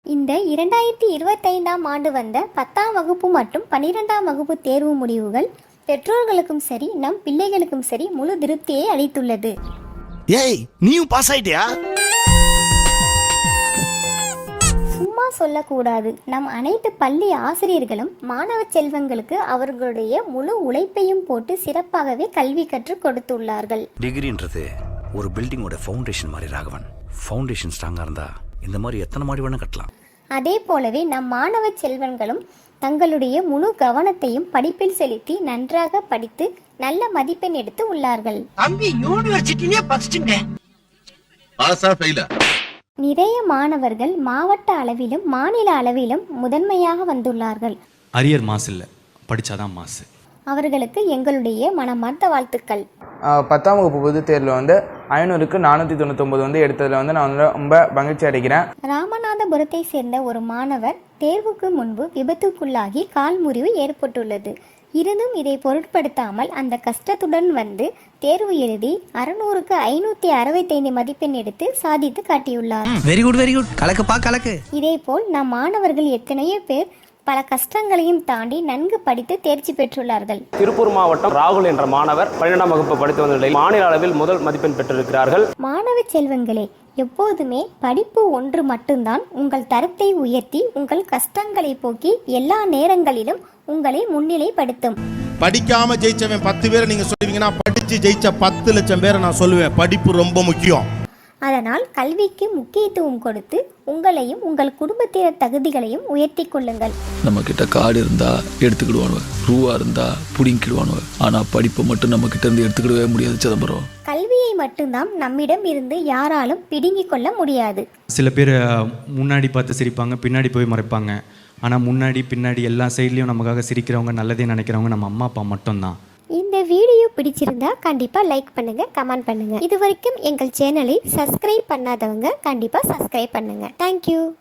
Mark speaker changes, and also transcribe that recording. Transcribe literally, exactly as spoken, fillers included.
Speaker 1: இந்த இரண்டாயிரத்தி இருபத்தைந்தாம் ஆண்டு வந்த பத்தாம் வகுப்பு மற்றும் பன்னிரெண்டாம் வகுப்பு தேர்வு முடிவுகள் பெற்றோர்களுக்கும் சரி நம் பிள்ளைகளுக்கும் சரி முழு திருப்தியை அளித்துள்ளது.
Speaker 2: ஏய், நீயும் பாஸ் ஆயிட்டியா?
Speaker 1: சும்மா சொல்லக்கூடாது. நம் அனைத்து பள்ளி ஆசிரியர்களும் மாணவ செல்வங்களுக்கு அவர்களுடைய முழு உழைப்பையும் போட்டு சிறப்பாகவே கல்வி கற்றுக் கொடுத்துள்ளார்கள்.
Speaker 3: டிகிரின்றது ஒரு பில்டிங்கோட ஃபவுண்டேஷன் மாதிரி ராகவன். ஃபவுண்டேஷன் ஸ்ட்ராங்கா இருந்தா இந்த மாதிரி எத்தனை மாடி வேணா கட்டலாம்.
Speaker 1: அதே போலவே நம் மாணவ செல்வங்களும் தங்களுடைய முழு கவனத்தையும் படிப்பில் செலுத்தி நன்றாக படித்து நல்ல மதிப்பெண் எடுத்து உள்ளார்கள். நிறைய மாணவர்கள் மாவட்ட அளவிலும் மாநில அளவிலும் முதன்மையாக வந்துள்ளார்கள்.
Speaker 4: அரியர் மாசு இல்லை, படிச்சாதான் மாசு.
Speaker 1: அவர்களுக்கு எங்களுடைய மனமார்ந்த வாழ்த்துக்கள்.
Speaker 5: பத்தாம் வகுப்பு பொதுத் தேர்வில் வந்து ஐநூறுக்கு நானூற்றி தொண்ணூத்தொம்பது வந்து எடுத்ததில் வந்து நான் வந்து ரொம்ப மகிழ்ச்சி அடைகிறேன்.
Speaker 1: ராமநாதபுரத்தை சேர்ந்த ஒரு மாணவர் தேர்வுக்கு முன்பு விபத்துக்குள்ளாகி கால் முறிவு ஏற்பட்டுள்ளது. இருந்தும் இதை பொருட்படுத்தாமல் அந்த கஷ்டத்துடன் வந்து தேர்வு எழுதி அறுநூறுக்கு ஐநூத்தி அறுபத்தைந்து மதிப்பெண் எடுத்து சாதித்து காட்டியுள்ளார்.
Speaker 2: வெரி குட் வெரி குட் கலக்குப்பா கலக்கு.
Speaker 1: இதேபோல் நம் மாணவர்கள் எத்தனையோ பேர் பல கஷ்டங்களையும் தாண்டி நன்கு படித்து தேர்ச்சி பெற்றுள்ளார்கள்.
Speaker 6: திருப்பூர் மாவட்டம் ராகுல் என்ற மாணவர் பன்னிரெண்டாம் வகுப்பு படித்து வந்த நிலையில் மாநில அளவில் முதல் மதிப்பெண் பெற்றிருக்கிறார்கள்.
Speaker 1: மாணவ செல்வங்களே, எப்போதுமே படிப்பு ஒன்று மட்டும்தான் உங்கள் தரத்தை உயர்த்தி உங்கள் கஷ்டங்களை போக்கி எல்லா நேரங்களிலும் உங்களை முன்னிலைப்படுத்தும்.
Speaker 7: படிக்காம ஜெயிச்சவன் பத்து பேரை நீங்க சொல்லுவீங்கன்னா படிச்சு ஜெயிச்ச பத்து லட்சம் பேரை நான் சொல்லுவேன். படிப்பு ரொம்ப முக்கியம்.
Speaker 1: அதனால் கல்விக்கு முக்கியத்துவம் கொடுத்து உங்களையும் உங்கள் குடும்பத்தினர் தகுதிகளையும் உயர்த்தி கொள்ளுங்கள்.
Speaker 8: நம்ம கிட்ட காடு இருந்தா எடுத்துக்கிடுவானுவ, ரூவா இருந்தா புடிங்கிடுவானுவ. ஆனா படிப்பை மட்டும் நம்ம கிட்ட இருந்து எடுத்துக்கிடவே முடியாது சிதம்பரம்.
Speaker 1: கல்வியை மட்டும்தான் நம்மிடம் இருந்து யாராலும் பிடுங்கிக் கொள்ள முடியாது.
Speaker 4: சில பேர் முன்னாடி பார்த்து சிரிப்பாங்க, பின்னாடி போய் மறைப்பாங்க. ஆனால் முன்னாடி பின்னாடி எல்லா சைட்லேயும் நமக்காக சிரிக்கிறவங்க, நல்லதே நினைக்கிறவங்க நம்ம அம்மா அப்பா மட்டும்தான்.
Speaker 1: இந்த வீடியோ பிடிச்சிருந்தா கண்டிப்பா லைக் பண்ணுங்க, கமெண்ட் பண்ணுங்க. இது வரைக்கும் எங்கள் சேனலை சப்ஸ்கிரைப் பண்ணாதவங்க கண்டிப்பா சப்ஸ்கிரைப் பண்ணுங்க. தேங்க்யூ.